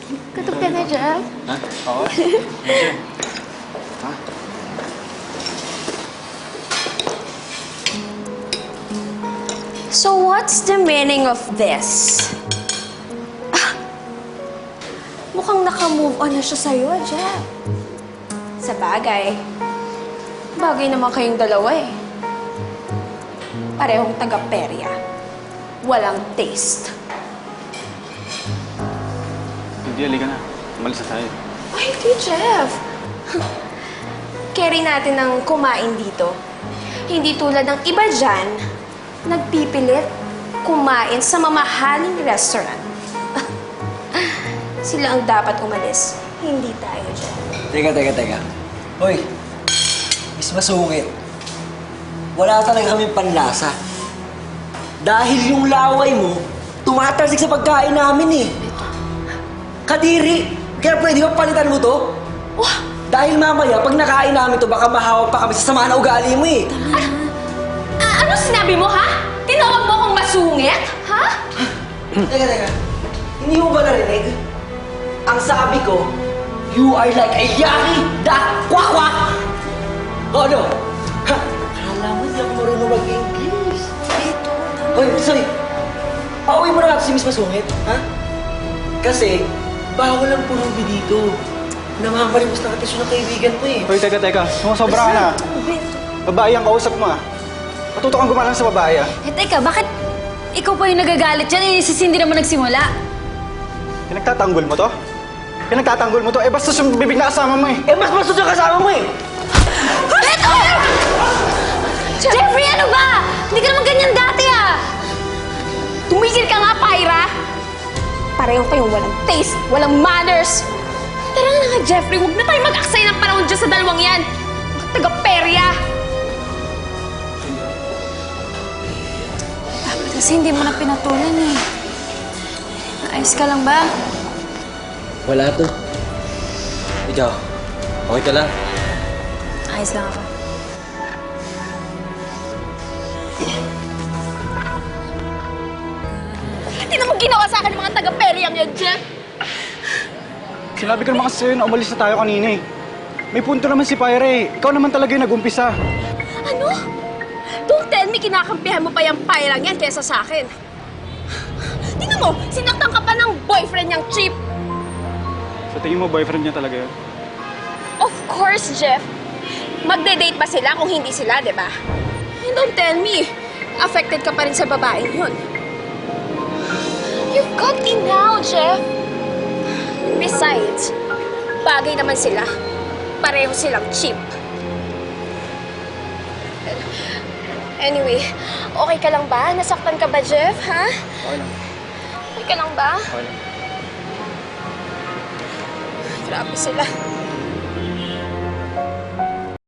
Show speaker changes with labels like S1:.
S1: Katog ka na, Jeff.
S2: Ha? Oo. Medyo. Ha?
S1: So what's the meaning of this? Mukhang naka-move on na siya sa'yo, Jeff. Sa bagay naman kayong dalawa eh. Parehong taga-perya. Walang taste.
S2: Hindi, halika na. Umalis na tayo.
S1: Ay, hindi, Jeff. Carry natin ng kumain dito. Hindi tulad ng iba dyan, nagpipilit kumain sa mamahaling restaurant. Sila ang dapat umalis. Hindi tayo dyan.
S3: Teka. Hoy, Miss Masungit. Wala talaga kaming panlasa. Dahil yung laway mo, tumatalsik sa pagkain namin eh. Kadiri, kaya pwede ba palitan mo to?
S1: Wah!
S3: Dahil mamaya, pag nakain namin to, baka mahawak pa kami sa sama na ugali mo eh.
S1: Ano sinabi mo, ha? Tinawag mo akong masungit? Ha?
S3: Teka. Hindi mo ba narinig? Ang sabi ko, you are like a yaki da kwak-kwak! O ano? Ha? Akala mo hindi ako marunong mag-English. Ito. Hoy, sorry. Pauwi mo na natin si Miss Masungit, ha? Kasi, bawal ang pulubi dito. Namamalimos na katisyon ng kaibigan mo eh.
S2: Hoy, teka. Sumusobra ka na. Babae ang kausap mo ah. Matuto kang gumalang sa babae ah.
S4: Teka, bakit ikaw pa yung nagagalit dyan? Si Cindy naman nagsimula.
S2: Pinagtatanggol mo to? Eh, basta yung bibig na kasama mo eh.
S3: Eh, mas bastos yung kasama mo eh!
S4: Beto! Jeffrey, ano ba? Hindi ka naman ganyan dati ah!
S1: Tumigil ka nga, Pyra! Pareho kayong walang taste, walang manners. Tara na nga, Jeffrey. Huwag na tayo mag-aksay ng panahon dyan sa dalawang yan. Mga taga-perya.
S4: Dapat kasi hindi mo na pinatulan eh. Ayos ka lang ba?
S3: Wala to. Ikaw, okay ka lang?
S4: Ayos lang ako.
S1: Hindi naman ginawa sa akin ng mga taga-peryang yan, Jeff.
S2: Sinabi ko naman kasi sa'yo na umalis na tayo kanina eh. May punto naman si Pyra eh. Ikaw naman talaga yung nag-umpisa.
S1: Ano? Don't tell me kinakampihan mo pa yung Pyrang yan kesa sa akin. Tingnan mo, sinaktan ka pa ng boyfriend niyang cheap.
S2: Sa tingin mo, boyfriend niya talaga yun?
S1: Of course, Jeff. Magde-date ba sila kung hindi sila, di ba? And don't tell me, affected ka pa rin sa babaeng yun. You've got in now, Jeff. Besides, bagay naman sila. Pareho silang cheap. Anyway, okay ka lang ba? Nasaktan ka ba, Jeff, ha?
S2: Okay lang.
S1: Okay ka lang ba?
S2: Okay lang.
S1: Grabe sila.